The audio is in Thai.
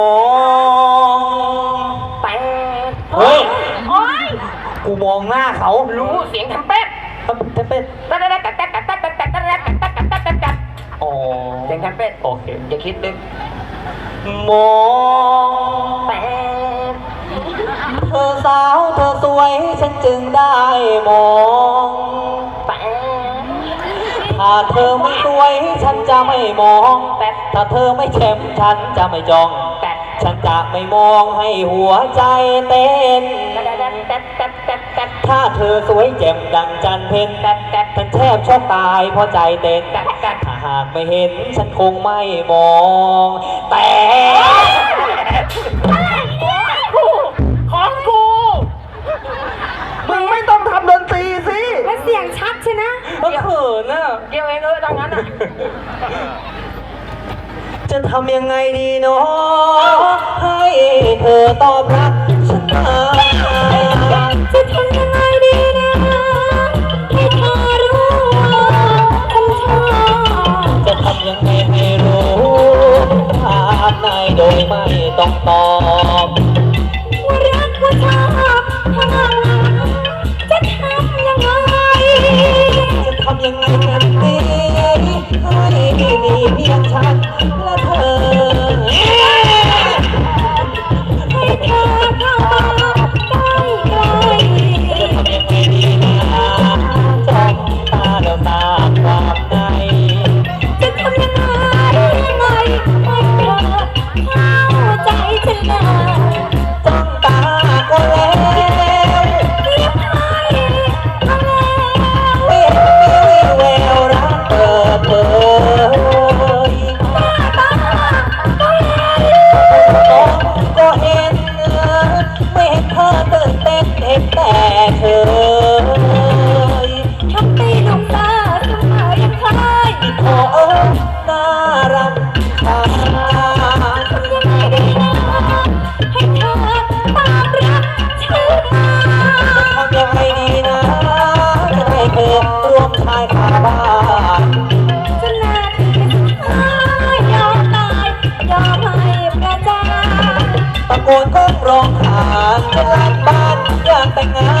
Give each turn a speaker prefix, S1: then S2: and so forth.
S1: มอง
S2: แปด
S1: เฮ้ย
S2: โอ้ย
S1: กูมองหน้าเขา
S2: รู้เสียงทำเป็ด
S1: ทำเป็น อ๋อ
S2: เสียงทำเป็ด
S1: โอเค
S2: อย่าคิดลึก
S1: มอง
S2: แปด
S1: เธอสาวเธอสวยฉันจึงได้มอง
S2: แปด
S1: ถ้าเธอไม่สวยฉันจะไม่มองแต่ถ้าเธอไม่เข้มฉันจะไม่จ้องแต่ฉันจะไม่มองให้หัวใจเต้นถ้าเธอสวยแจ่มดังจันเพ็ญฉันแทบช็อกตายเพราะใจเต้นถ้าหากไม่เห็นฉันคงไม่มองแต่
S2: ของกู
S1: มึงไม่ต้องทำดนตรีสิ
S3: แล้วเสียงชัดใช่นะ
S1: ก็เขินน่ะ
S2: เดี๋ยวเองดังนั้นอ่ะ
S1: จะทำยังไงดีเนาะให้เธอตอบรับฉันมา
S3: จะทำยังไงดีนะให้เธอรู้ว่าฉันชอบ
S1: จะทำยังไงให้รู้ถามนายโดยไม่ต้องตอบ
S3: ว่ารักว่าชอบถ้าจะทำยังไง
S1: จะทำยังไงกันดีให้มีเพียงฉันและเธอ
S3: ให้เธอเข้ามาใกล้ใกล้
S1: จะทำยังไงดีนะจ้องตาแล้วตาความใน
S3: จะทำยังไงให้เธอเข้าใจฉันนะ
S1: จ้องตาก็แล้ว
S3: เรียบให้เอาแล้ว
S1: ไม่เห็นมีแววรักเปิดเผย
S3: หน้าตาก็เห็น
S1: มองก็เห็นไม่เห็นเธอตื่นเต้นเห็นแต่เธอ
S3: ทำตีลูกตาเสมอยังเคย
S1: โอ้น่ารักชา
S3: ทำยังไงดีนะให้เธอตามรักฉันมา
S1: ทำยังไงดีนะจะให้เธอร่วมชายคาบ้าน
S3: จนนาทีสุดท้ายยอมตายยอมให้ประจาน
S1: ตะโกนก้องร้องขานจะลันบ้านอยากแต่งงา